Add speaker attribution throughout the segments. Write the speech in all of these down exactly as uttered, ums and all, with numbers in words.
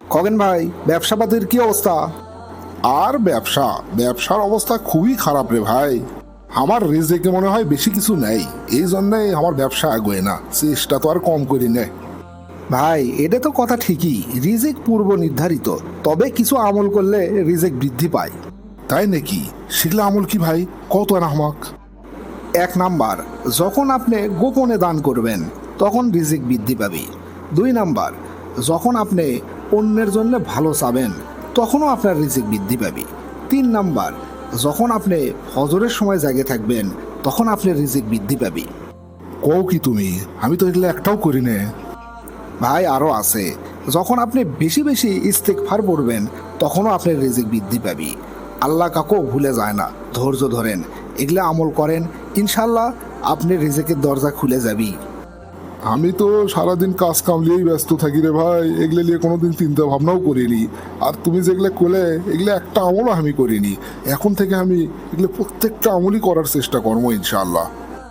Speaker 1: খগেন ভাই, ব্যবসাপাতির কি অবস্থা?
Speaker 2: আর ব্যবসা ব্যবসার অবস্থা খুবই খারাপ রে ভাই। আমার রিজেকে মনে হয় বেশি কিছু নেই, এই জন্যই আমার ব্যবসা আগে না। চেষ্টা তো আর কম করি না।
Speaker 1: ভাই, এটা তো কথা ঠিকই, রিজিক পূর্ব নির্ধারিত, তবে কিছু আমল করলে রিজিক বৃদ্ধি পায়।
Speaker 2: তাই নাকি? সেগুলো আমল কি ভাই? কত না আমাক।
Speaker 1: এক নাম্বার, যখন আপনি গোপনে দান করবেন তখন রিজিক বৃদ্ধি পাবে। দুই নাম্বার, যখন আপনি অন্যের জন্য ভালো চাবেন তখনও আপনার রিজিক বৃদ্ধি পাবে। তিন নাম্বার, যখন আপনি ফজরের সময় জাগে থাকবেন তখন আপনার রিজিক বৃদ্ধি পাবে।
Speaker 2: কও কি তুমি? আমি তো এগুলো একটাও করি না।
Speaker 1: ভাই, আরও আছে, যখন আপনি বেশি বেশি ইস্তেগফার পড়বেন তখনও আপনার রিজিক বৃদ্ধি পাবে। আল্লাহ কাকেও ভুলে যায় না, ধৈর্য ধরেন, এগুলো আমল করেন, ইনশাল্লাহ আপনি রিজিকের দরজা খুলে যাবি।
Speaker 2: আমি তো সারাদিন কাজ কামলিয়েই ব্যস্ত থাকি রে ভাই, এগুলো নিয়ে কোনোদিন চিন্তা ভাবনাও করিনি। আর তুমি যেগুলো করলে এগুলো একটা আমলও আমি করিনি। এখন থেকে আমি এগুলো প্রত্যেকটা আমলই করার চেষ্টা করবো ইনশাআল্লাহ।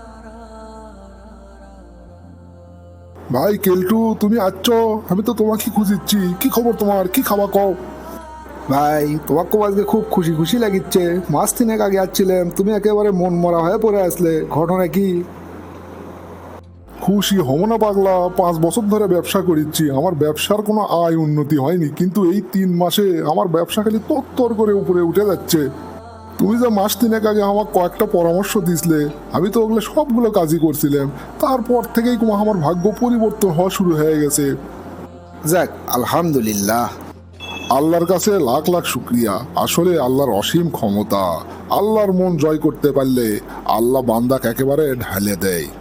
Speaker 2: ভাই কেলটু, তুমি আচ্ছ? আমি তো তোমাকে খুঁজিচ্ছি। কি খবর তোমার? কি খাওয়া কও?
Speaker 1: ভাই, তোমাকে আজকে খুব খুশি খুশি লাগিচ্ছে। মাস তিনেক আগে আসছিলাম, তুমি একেবারে মন মরা হয়ে পড়ে আসলে, ঘটনা কি?
Speaker 2: খুশি হব না পাগলা? পাঁচ বছর ধরে ব্যবসা করিচ্ছি, আমার ব্যবসার কোনো আয় উন্নতি হয়নি, কিন্তু এই তিন মাসে আমার ব্যবসা খালি তত্তর করে উপরে উঠে যাচ্ছে। তুমি যে মাস তিনেক আগে আমার কয়েকটা পরামর্শ দিছিলে, আমি তো ওগুলো সবগুলো কাজই করছিলাম। তারপর থেকেই তোমার আমার ভাগ্য পরিবর্তন হওয়া শুরু হয়ে গেছে।
Speaker 1: যাক, আলহামদুলিল্লাহ।
Speaker 2: আল্লাহর কাছে লাখ লাখ শুক্রিয়া। আসলে আল্লাহর অসীম ক্ষমতা। আল্লাহর মন জয় করতে পারলে আল্লাহ বান্দাকে একেবারে ঢালে দেয়।